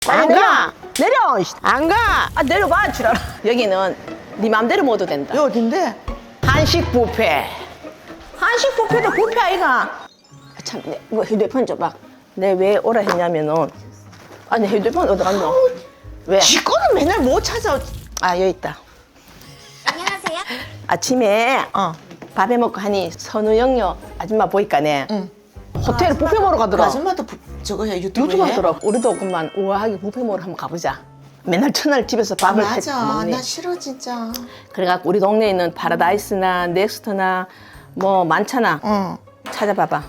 안 가! 내려! 안 가! 아, 내려봐, 줄 알아. 여기는 네 맘대로 모두 된다. 여 어딘데? 한식 뷔페. 한식 뷔페도 뷔페 아이가. 아, 참, 이거 휴대폰 줘봐. 내 왜 오라 했냐면은. 아니, 휴대폰 어디 갔노? 왜? 지 거는 맨날 못 찾아. 아, 여기 있다. 안녕하세요. 아침에 밥해 먹고 하니 선우영녀 아줌마 보니까네. 호텔 뷔페 먹으러 그 가더라. 아줌마도 저거 해 유튜브에. 유튜브 하더라. 우리도 그만 우아하게 뷔페 먹으러 한번 가보자. 맨날 첫날 집에서 밥을 맞아. 먹니. 나 싫어 진짜. 그래갖고 우리 동네에 있는 파라다이스나 넥스트나 뭐 많잖아. 응. 찾아봐봐.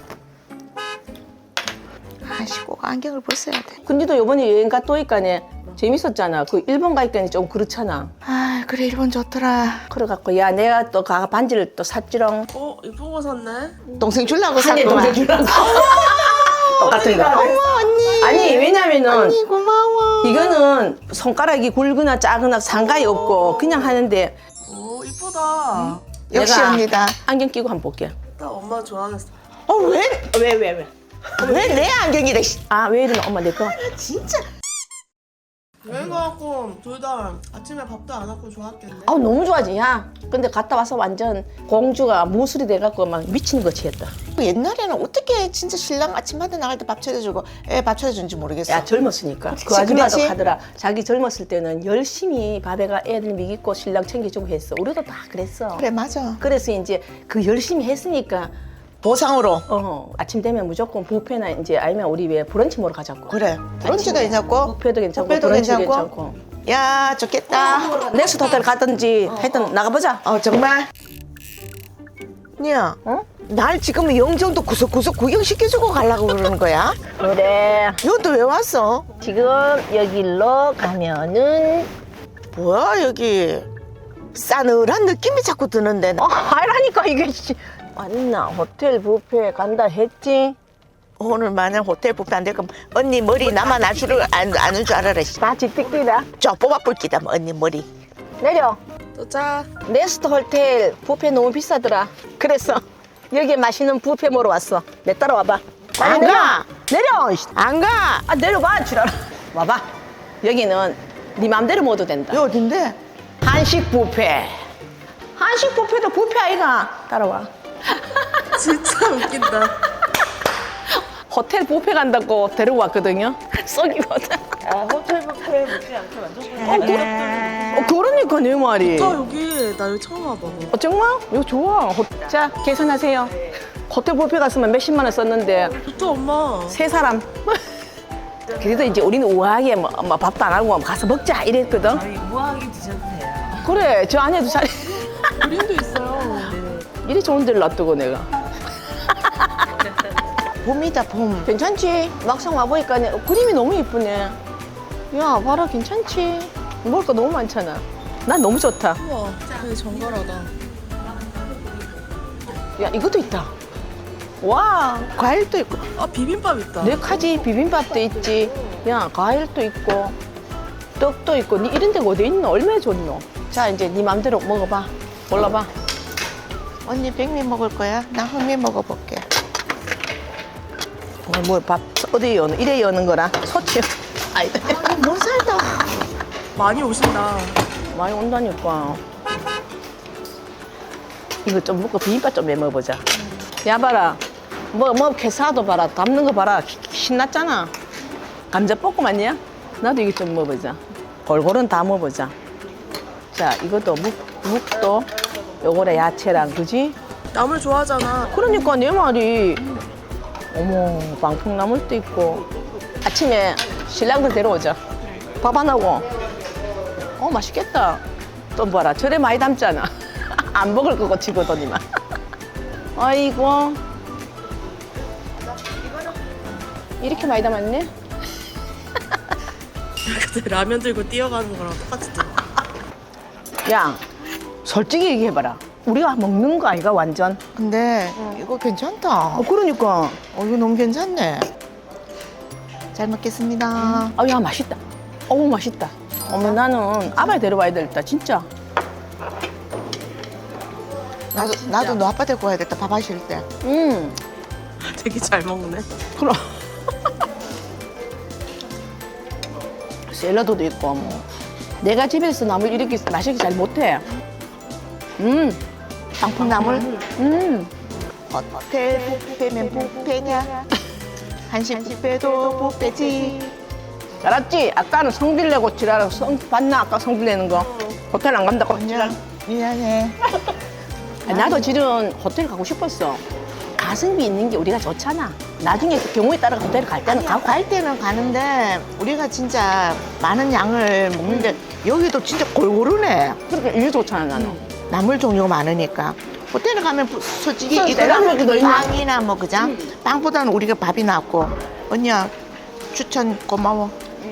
아이씨 꼭 안경을 벗어야 돼. 근데도 요번에 여행 갔다 오니까네 재밌었잖아. 그 일본 가니까 좀 그렇잖아. 아 그래 일본 좋더라. 그래갖고 야 내가 또 가 반지를 또 샀지롱. 이쁜 거 샀네. 동생 주려고 한해 샀구만. 동생 주려고. 똑같은 거. 어머 언니. 아니 왜냐면은 언니 고마워. 이거는 손가락이 굵거나 작거나 상관이 없고 그냥 하는데 오, 이쁘다. 역시 내가 언니다. 안경 끼고 한번 볼게. 딱 엄마 좋아하겠어. 왜? 왜? 왜 내 안경이래? 씨. 아 왜 이러나 엄마 내 거. 진짜. 여행 가갖고 둘 다 아침에 밥도 안 하고 좋았겠네. 아우 너무 좋아지 야. 근데 갔다 와서 완전 공주가 무술이 돼갖고 막 미치는 거지 했다. 옛날에는 어떻게 진짜 신랑 아침마다 나갈 때 밥 차려주고 애 밥 차려준지 모르겠어. 야 젊었으니까 그 그치, 아줌마도 그렇지. 하더라. 자기 젊었을 때는 열심히 밥에가 애들 먹이고 신랑 챙겨주고 했어. 우리도 다 그랬어. 그래 맞아. 그래서 이제 그 열심히 했으니까 보상으로. 아침 되면 무조건 뷔페나 이제 아니면 우리 왜 브런치 먹으러 가자고. 그래. 브런치도 괜찮고. 뷔페도 괜찮고 뷔페도 브런치도 괜찮고. 괜찮고. 야 좋겠다. 넥스트 호텔 갔든지 하여튼 나가보자. 정말. 야, 어? 날 지금 영종도 구석구석 구경시켜주고 가려고 그러는 거야? 그래. 이것도 왜 왔어? 지금 여기로 가면은 뭐야 여기 싸늘한 느낌이 자꾸 드는데. 하라니까 이게 맞나 호텔 뷔페 간다 했지. 오늘 만약 호텔 뷔페 안 될 거면 언니 머리 나만 아는 줄 알아라. 씨. 다 지뜩기다. 저 뽑아볼기다 뭐, 언니 머리. 내려. 도착. 네스트 호텔 뷔페 너무 비싸더라. 그래서 여기 맛있는 뷔페 먹으러 왔어. 내 따라와봐. 안 내려. 가. 내려. 안 가. 아 내려봐 줄 알아. 와봐. 여기는 네 맘대로 모두 된다. 여 어딘데? 한식 뷔페. 한식 뷔페도 뷔페 아이가. 따라와. 진짜 웃긴다. 호텔 뷔페 간다고 데리고 왔거든요. 썩이거든. 호텔 뷔페 먹지 않게 그러니까 내 말이. 여기 나 여기 처음 와봐. 정말? 이거 좋아. 자, 계산하세요. 호텔 뷔페 갔으면 몇십만 원 썼는데 좋다 엄마. 세 사람. 그래도 이제 우리는 우아하게 뭐 밥도 안 하고 가서 먹자 이랬거든. 우아하게 드셔도 돼요. 그래, 저 안에도 잘 그림도 있어요. 이리 좋은 데를 놔두고 내가. 봄이다 봄. 괜찮지? 막상 와보니까 그림이 너무 이쁘네. 야, 봐라, 괜찮지? 먹을 거 너무 많잖아. 난 너무 좋다. 우와, 되게 정갈하다. 야, 이것도 있다. 와, 과일도 있고. 아 비빔밥 있다. 네 가지 비빔밥도 있지. 야, 과일도 있고, 떡도 있고. 니 이런 데가 어디 있노? 얼마나 좋노? 자, 이제 네 맘대로 먹어봐. 골라봐. 언니 백미 먹을 거야? 나 흑미 먹어볼게. 뭐 밥 어디 여는 이래 여는 거라 소치. 아니다. 못 살다. 많이 오신다. 많이 온다니까. 이거 좀 먹고 비빔밥 좀 해 먹어보자. 야 봐라. 뭐 캐사도 봐라. 담는 거 봐라. 신났잖아. 감자볶음 아니야? 나도 이거 좀 먹어보자. 골고루 다 먹어보자. 자, 이것도 묵도 요거래 야채랑 그지? 나물 좋아하잖아. 그러니까 내 말이. 어머, 방풍나물도 있고. 아침에 신랑들 데려오자. 밥 안 하고. 맛있겠다. 또 봐라, 저래 많이 담잖아. 안 먹을 거고 치거더니만. 아이고. 이렇게 많이 담았네? 근데 라면 들고 뛰어가는 거랑 똑같이 돼. 야, 솔직히 얘기해봐라. 우리가 먹는 거 아이가 완전? 근데 이거 괜찮다. 그러니까. 이거 너무 괜찮네. 잘 먹겠습니다. 야, 맛있다. 어우, 맛있다. 어머, 나는 아바이 데려와야 되겠다, 진짜. 나도 너 아빠 데리고 가야겠다. 밥 하실 때. 되게 잘 먹네. 그럼. 샐러드도 있고 뭐. 내가 집에서 나물 이렇게 맛있게 잘 못해. 방풍나물? 음. 호텔 뷔페면 뷔페냐? 한식 뷔페도 뷔페지. 알았지? 아까는 성질 내고 지랄하고 봤나? 아까 성질 내는 거. 호텔 안 간다고 지랄. 미안해. 나도 실은 호텔 가고 싶었어. 가성비 있는 게 우리가 좋잖아. 나중에 그 경우에 따라 호텔 갈 때는 가고. 갈 때는 가는데 우리가 진짜 많은 양을 먹는데 여기도 진짜 골고루네. 그러니까 이게 좋잖아 나는. 나물 종류가 많으니까. 호텔에 가면 솔직히 쌀 먹기도 있나? 빵이나 뭐 그자 빵보다는 우리가 밥이 낫고. 언니야 추천 고마워.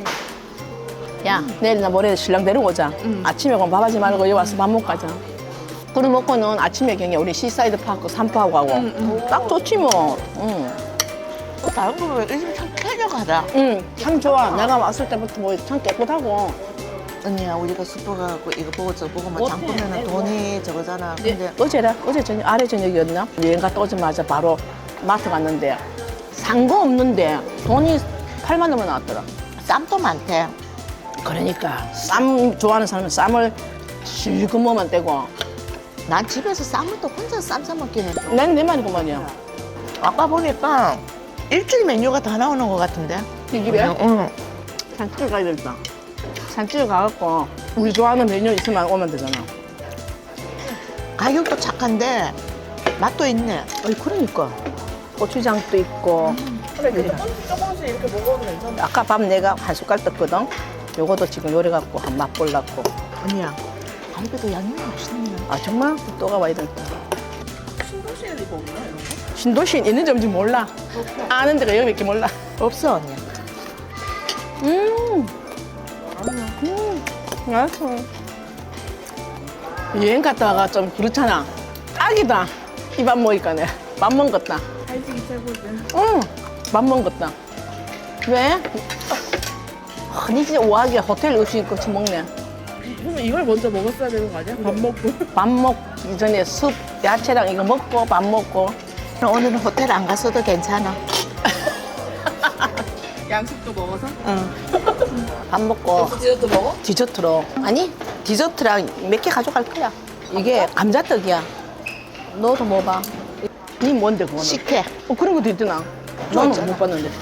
야 내일이나 모레 신랑 데리고 오자. 아침에 그럼 밥하지 말고 여기 와서 밥 먹고 가자. 그래 먹고는 아침에 경에 우리 시사이드 파크 산포하고 가고. 딱 좋지 뭐. 다른 거왜 요즘 참 쾌적하다. 참 좋아. 내가 왔을 때부터 뭐 참 깨끗하고. 언니야 우리가 슈퍼 가고 이거 보고 저거 보고 뭐 장 보면은 돈이 저거잖아. 근데 어제 저녁 아래 저녁이었나? 여행 갔다 오자마자 바로 마트 갔는데 산 거 없는데 돈이 8만 원만 나왔더라. 쌈도 많대. 그러니까 쌈 좋아하는 사람은 쌈을 실컷만 떼고 난 집에서 쌈을 또 혼자 쌈 싸 먹긴 해. 난 내 말이구만요. 아까 보니까 일주일 메뉴가 다 나오는 것 같은데. 이 집에 응. 산길 가야 되겠다. 산길 가갖고 우리 좋아하는 메뉴 있으면 오면 되잖아. 가격도 착한데 맛도 있네. 어이 그러니까 고추장도 있고. 조금씩 이렇게 먹어도 괜찮아. 아까 밥 내가 한 숟갈 떴거든. 요것도 지금 요리 갖고 한 맛 볼라고. 언니야 갈비도 양념이 맛있네. 아 정말 또 가봐야 되겠다. 신도시에 이거 없나 이런 거? 신도시엔 있는지 없는지 몰라. 아는 데가 여기밖에 몰라. 없어 언니야. 맛있어. 여행 갔다 와가 좀 그렇잖아. 딱이다. 이 밥 먹으니까 내가 밥 먹었다. 한식이 최고지. 응, 밥 먹었다. 왜? 아니 진짜 우아하게 호텔 음식 같이 먹네. 그러면 이걸 먼저 먹었어야 되는 거 아니야? 밥 먹고. 밥 먹기 전에 숲, 야채랑 이거 먹고 밥 먹고. 오늘은 호텔 안 갔어도 괜찮아. 양식도 먹어서? 밥 먹고 디저트 먹어? 디저트로. 아니 디저트랑 몇 개 가져갈 거야. 이게 감자떡이야. 너도 먹어봐. 니 뭔데 그거는? 식혜. 그런 것도 있더나. 나는 못 봤는데.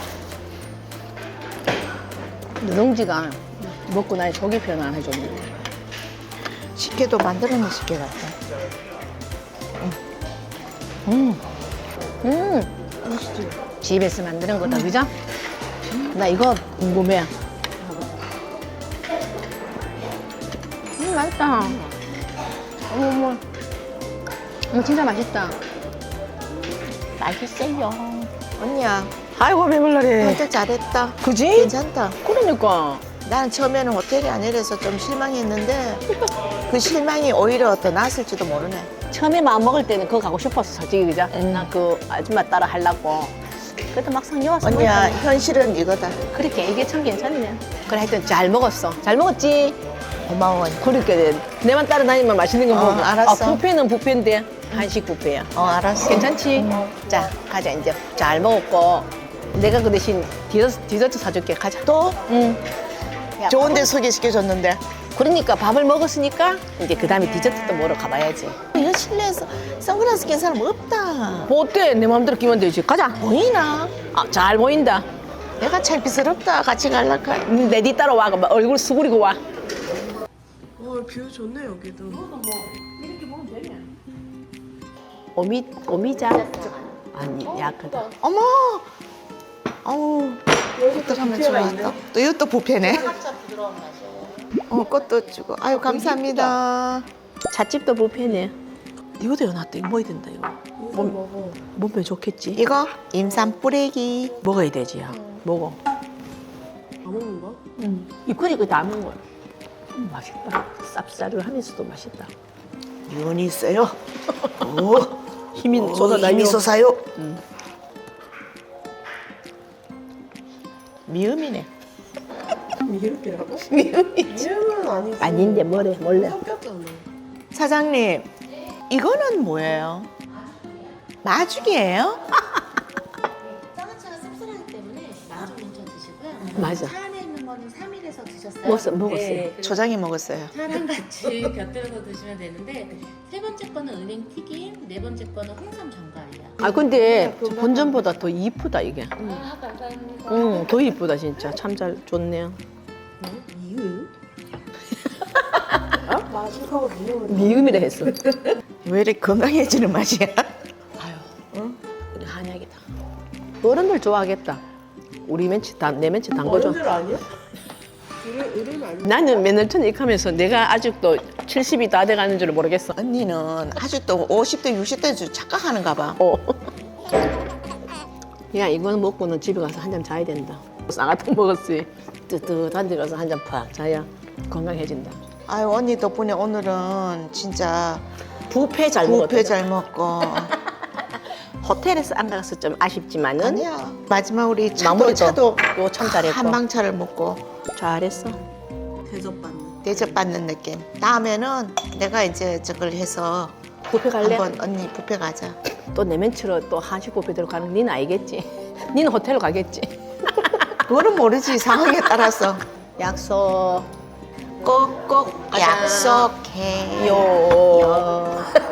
누룽지가 먹고 나니 속이 표현 안 해줬네. 식혜도 만들어낸 식혜 같아. 집에서 만드는 거다, 그죠? 나 이거 궁금해. 맛있다. 어머, 진짜 맛있다. 맛있어요. 언니야 아이고, 배불러래. 선택 잘했다. 그지? 괜찮다. 그러니까. 나는 처음에는 호텔이 아니라서 좀 실망했는데 그 실망이 오히려 더 나았을지도 모르네. 처음에 마음 먹을 때는 그거 가고 싶었어, 솔직히, 그죠? 나 그 아줌마 따라 하려고. 그래도 막상 여와서 언니야 현실은 이거다. 그렇게 이게 참 괜찮네. 그래 하여튼 잘 먹었어. 잘 먹었지? 고마워 언니. 그렇게 내만 따라다니면 맛있는 거 먹어. 알았어. 아, 뷔페는 뷔페인데 한식 뷔페야. 알았어. 괜찮지? 자, 가자 이제. 잘 먹었고 내가 그 대신 디저트 사줄게. 가자. 또 응. 좋은 데 소개시켜줬는데. 그러니까 밥을 먹었으니까 이제 그 다음에 디저트도 먹으러 가봐야지. 이런 실내에서 선글라스 낀 사람 없다. 뭐 어때? 내 마음대로 끼면 되지. 가자. 보이나? 아, 잘 보인다. 내가 창피스럽다. 같이 갈라카. 내 뒤 따라와. 얼굴 수그리고 와. 뷰 좋네 여기도. 오미자. 아니, 약하다. 어머. 어우. 이것도 하면 좋아했다. 또 이것도 부패네. 꽃도 주고. 아유 감사합니다. 잣집도 뷔페네. 이거도 해놨다. 이거 먹어야 된다, 이거. 몸에 좋겠지? 이거 임산 뿌레기. 먹어야 되지, 야. 먹어. 다 먹는 거야? 이거 다 먹은 거야. 맛있다. 쌉싸름하면서도 맛있다. 미운이 있어요. 오. 힘이 힘이 솟아요. 미음이네. 미흡이라고? 미음이지. 미흡은 아니지. 아닌데 뭐래 몰래. 섞였잖아. 사장님, 이거는 뭐예요? 마죽이에요? 짜장치가 씁쓸하기 때문에 마주 먼저 드시고요. 맞아. 차 안에 있는 거는 3일 호텔에서 드셨어요? 먹었어요. 네, 초장이 먹었어요. 차랑 같이 곁들여서 드시면 되는데 세 번째 거는 은행 튀김, 네 번째 거는 홍삼 전갈이에요. 아 근데 본전보다 더 이쁘다 이게. 아, 감사합니다. 응, 더 이쁘다 진짜. 참 잘 좋네요. 이유? 미음이라 했어. 왜 이렇게 건강해지는 맛이야? 아유, 우리 한약이다. 어른들 좋아하겠다. 우리 멘치 내 멘치 담궈줘. 어른들 아니야? 이름 아니야? 나는 맨날 전 익하면서 내가 아직도 70이 다 돼가는 줄 모르겠어. 언니는 아직도 50대, 60대 착각하는가 봐. 야, 이거는 먹고는 집에 가서 한 잔 자야 된다. 쌍화탕 먹었지. 뜨뜻한 데 가서 한 잔 팍 자야 건강해진다. 아유, 언니 덕분에 오늘은 진짜 뷔페 잘 먹었다. 뷔페 잘 먹고. 호텔에서 안 가서 좀 아쉽지만은 아니야. 마지막 우리 마무리도 차도 이거 참 잘했고. 한방차를 먹고 잘했어. 대접받는. 대접받는 느낌. 다음에는 내가 이제 저걸 해서 뷔페 갈래? 한번 언니 뷔페 가자. 또 내 멘트로 또 한식 뷔페대로 가는 거 니는 알겠지? 니는 호텔로 가겠지? 그거는 모르지, 상황에 따라서. 약속. 꼭꼭 가자. 약속해. 요.